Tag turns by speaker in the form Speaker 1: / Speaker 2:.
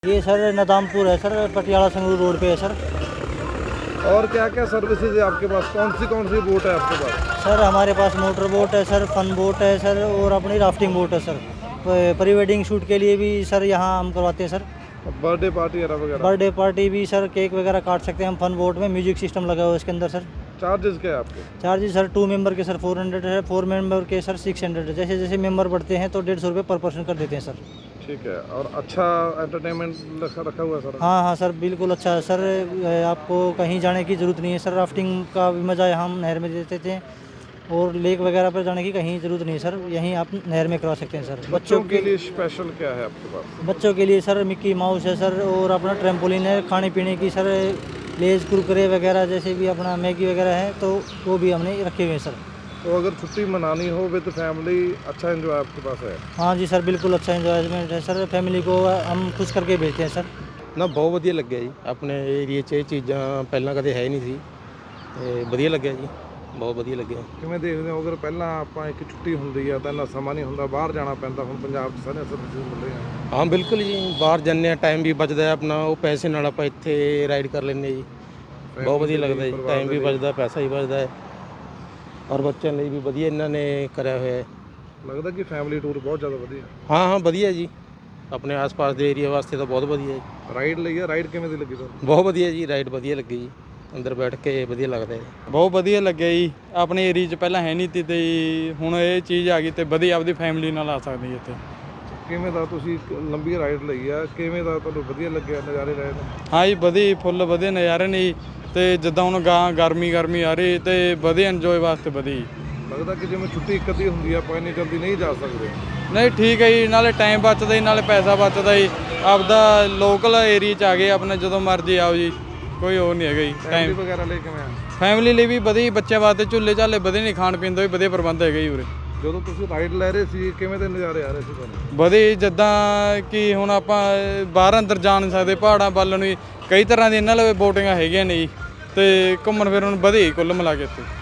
Speaker 1: ये सर नदामपुर है sir, Patiala Sangrur road पे है सर।
Speaker 2: और क्या क्या सर्विसेज है आपके पास? कौन सी बोट है आपके पास?
Speaker 1: सर हमारे पास मोटर बोट है सर, फन बोट है सर, और अपनी राफ्टिंग बोट है सर। प्री वेडिंग शूट के लिए भी सर यहाँ हम करवाते हैं सर।
Speaker 2: बर्थडे पार्टी वगैरह?
Speaker 1: बर्थडे पार्टी भी सर, केक वगैरह काट सकते हैं हम फन बोट में। म्यूजिक सिस्टम लगा हुआ है इसके अंदर सर।
Speaker 2: चार्जेस क्या है आपके?
Speaker 1: चार्जेस सर 2 मेंबर के सर 400 है, 4 मेंबर के सर 600 है। जैसे जैसे मेंबर बढ़ते हैं तो 150 रुपये पर पर्सन कर देते हैं सर।
Speaker 2: ठीक है। और अच्छा एंटरटेनमेंट रखा हुआ है सर?
Speaker 1: हाँ सर, बिल्कुल अच्छा है सर। आपको कहीं जाने की ज़रूरत नहीं है सर। राफ्टिंग का भी मज़ा यहाँ हम नहर में देते थे, और लेक वगैरह पर जाने की कहीं ज़रूरत नहीं है सर। यहीं आप नहर में करवा सकते हैं सर।
Speaker 2: बच्चों के लिए स्पेशल क्या है आपके पास?
Speaker 1: बच्चों के लिए सर मिक्की माउस है सर, और अपना ट्रैम्पोलिन है। खाने पीने की सर लेज कुरकुरे वगैरह जैसे भी अपना मैगी वगैरह है तो वो भी हमने रखे हुए हैं सर।
Speaker 2: तो अगर छुट्टी मनानी हो विद फैमिली, अच्छा एंजॉय आपके पास है?
Speaker 1: हाँ जी सर, बिल्कुल अच्छा इंजॉयमेंट है सर। फैमिली को हम खुश करके भेजते हैं सर।
Speaker 3: ਨਾ ਬਹੁਤ ਵਧੀਆ ਲੱਗਿਆ ਜੀ। ਆਪਣੇ ਏਰੀਏ 'ਚ ਇਹ ਚੀਜ਼ਾਂ ਪਹਿਲਾਂ ਕਦੇ ਹੈ ਨਹੀਂ ਸੀ ਤੇ ਵਧੀਆ ਲੱਗਿਆ ਜੀ, ਬਹੁਤ ਵਧੀਆ ਲੱਗਿਆ।
Speaker 2: ਕਿਵੇਂ ਦੇਖਦੇ ਹੋ? ਅਗਰ ਪਹਿਲਾਂ ਆਪਾਂ ਇੱਕ ਛੁੱਟੀ ਹੁੰਦੀ ਆ ਤਾਂ ਇੰਨਾ ਸਮਾਂ ਨਹੀਂ ਹੁੰਦਾ, ਬਾਹਰ ਜਾਣਾ ਪੈਂਦਾ, ਹੁਣ ਪੰਜਾਬ 'ਚ ਸਾਰੇ ਸਰਵਿਸਿਜ਼ ਮਿਲ ਰਹੇ ਆ।
Speaker 3: ਹਾਂ ਬਿਲਕੁਲ ਜੀ, ਬਾਹਰ ਜਾਂਦੇ ਹਾਂ ਟਾਈਮ ਵੀ ਬਚਦਾ ਹੈ ਆਪਣਾ, ਉਹ ਪੈਸੇ ਨਾਲ ਆਪਾਂ ਇੱਥੇ ਰਾਈਡ ਕਰ ਲੈਂਦੇ ਜੀ। ਬਹੁਤ ਵਧੀਆ ਲੱਗਦਾ ਜੀ, ਟਾਈਮ ਵੀ ਬਚਦਾ, ਪੈਸਾ ਵੀ ਬਚਦਾ ਹੈ, ਔਰ ਬੱਚਿਆਂ ਲਈ ਵੀ ਵਧੀਆ ਇਹਨਾਂ ਨੇ ਕਰਿਆ ਹੋਇਆ ਹੈ।
Speaker 2: ਲੱਗਦਾ ਕਿ ਫੈਮਿਲੀ ਟੂਰ ਬਹੁਤ ਜ਼ਿਆਦਾ ਵਧੀਆ?
Speaker 3: ਹਾਂ ਵਧੀਆ ਜੀ, ਆਪਣੇ ਆਸ-ਪਾਸ ਦੇ ਏਰੀਆ ਵਾਸਤੇ ਤਾਂ ਬਹੁਤ ਵਧੀਆ ਜੀ।
Speaker 2: ਰਾਈਡ ਲਈ ਆ? ਰਾਈਡ ਕਿਵੇਂ ਦੀ ਲੱਗੀ ਤੁਹਾਨੂੰ?
Speaker 3: ਬਹੁਤ ਵਧੀਆ ਜੀ, ਰਾਈਡ ਵਧੀਆ ਲੱਗੀ ਜੀ, ਅੰਦਰ ਬੈਠ ਕੇ ਵਧੀਆ ਲੱਗਦਾ ਹੈ।
Speaker 4: ਬਹੁਤ ਵਧੀਆ ਲੱਗਿਆ ਜੀ। ਆਪਣੇ ਏਰੀਆ 'ਚ ਪਹਿਲਾਂ ਹੈ ਨਹੀਂ ਤੀ ਤੇ ਹੁਣ ਇਹ ਚੀਜ਼ ਆ ਗਈ ਤੇ ਵਧੀਆ ਆਪਦੀ ਫੈਮਿਲੀ ਨਾਲ ਆ ਸਕਦੀ ਇੱਥੇ।
Speaker 2: ਕਿਵੇਂ ਦਾ ਤੁਸੀਂ ਲੰਬੀ ਰਾਈਡ ਲਈ ਆ, ਕਿਵੇਂ ਦਾ ਤੁਹਾਨੂੰ ਵਧੀਆ ਲੱਗਿਆ, ਨਜ਼ਾਰੇ ਲਏ ਨੇ?
Speaker 4: ਹਾਂ ਜੀ, ਵਧੀਆ ਫੁੱਲ ਵਧੀਆ ਨਜ਼ਾਰੇ ਨੇ ਜੀ। ਤੇ ਜਿੱਦਾਂ ਹੁਣ ਗਰਮੀ ਆ ਰਹੀ ਤੇ ਵਧੀਆ ਇੰਜੋਏ ਵਾਸਤੇ ਵਧੀਆ ਜੀ।
Speaker 2: ਲੱਗਦਾ ਕਿ ਜਿਵੇਂ ਛੁੱਟੀ ਇੱਕ ਅੱਧੀ ਹੁੰਦੀ ਆ, ਆਪਾਂ ਇੰਨੀ ਜਲਦੀ ਨਹੀਂ ਜਾ ਸਕਦੇ।
Speaker 4: ਨਹੀਂ ਠੀਕ ਹੈ ਜੀ, ਨਾਲੇ ਟਾਈਮ ਬਚਦਾ ਜੀ, ਨਾਲੇ ਪੈਸਾ ਬਚਦਾ ਜੀ। ਆਪਦਾ ਲੋਕਲ ਏਰੀਆ 'ਚ ਆ ਗਏ ਆਪਣੇ, ਜਦੋਂ ਮਰਜ਼ੀ ਆਓ ਜੀ, ਕੋਈ ਹੋਰ ਨਹੀਂ ਹੈਗਾ ਜੀ।
Speaker 2: ਟਾਈਮ ਵਗੈਰਾ ਲਈ ਕਿਵੇਂ ਆ?
Speaker 4: ਫੈਮਿਲੀ ਲਈ ਵੀ ਵਧੀਆ, ਬੱਚਿਆਂ ਵਾਸਤੇ ਝੂਲੇ ਝਾਲੇ ਵਧੀਆ, ਨਹੀਂ ਖਾਣ ਪੀਣ ਦਾ ਵੀ ਵਧੀਆ ਪ੍ਰਬੰਧ ਹੈਗਾ ਜੀ ਉਰੇ।
Speaker 2: ਜਦੋਂ ਤੁਸੀਂ ਰਾਈਡ ਲੈ ਰਹੇ ਸੀ ਕਿਵੇਂ ਦੇ ਨਜ਼ਾਰੇ ਆ ਰਹੇ ਸੀ ਤੁਹਾਨੂੰ?
Speaker 4: ਵਧੀਆ, ਜਿੱਦਾਂ ਕਿ ਹੁਣ ਆਪਾਂ ਬਾਹਰ ਅੰਦਰ ਜਾ ਨਹੀਂ ਸਕਦੇ, ਪਹਾੜਾਂ ਵੱਲ ਨੂੰ ਕਈ ਤਰ੍ਹਾਂ ਦੀ ਇਹਨਾਂ ਲਈ ਬੋਟਿੰਗਾਂ ਹੈਗੀਆਂ ਨੇ ਜੀ, ਤੇ ਘੁੰਮਣ ਫਿਰਨ ਨੂੰ ਵਧੀਆ ਕੁੱਲ ਮਿਲਾ ਕੇ ਇੱਥੇ।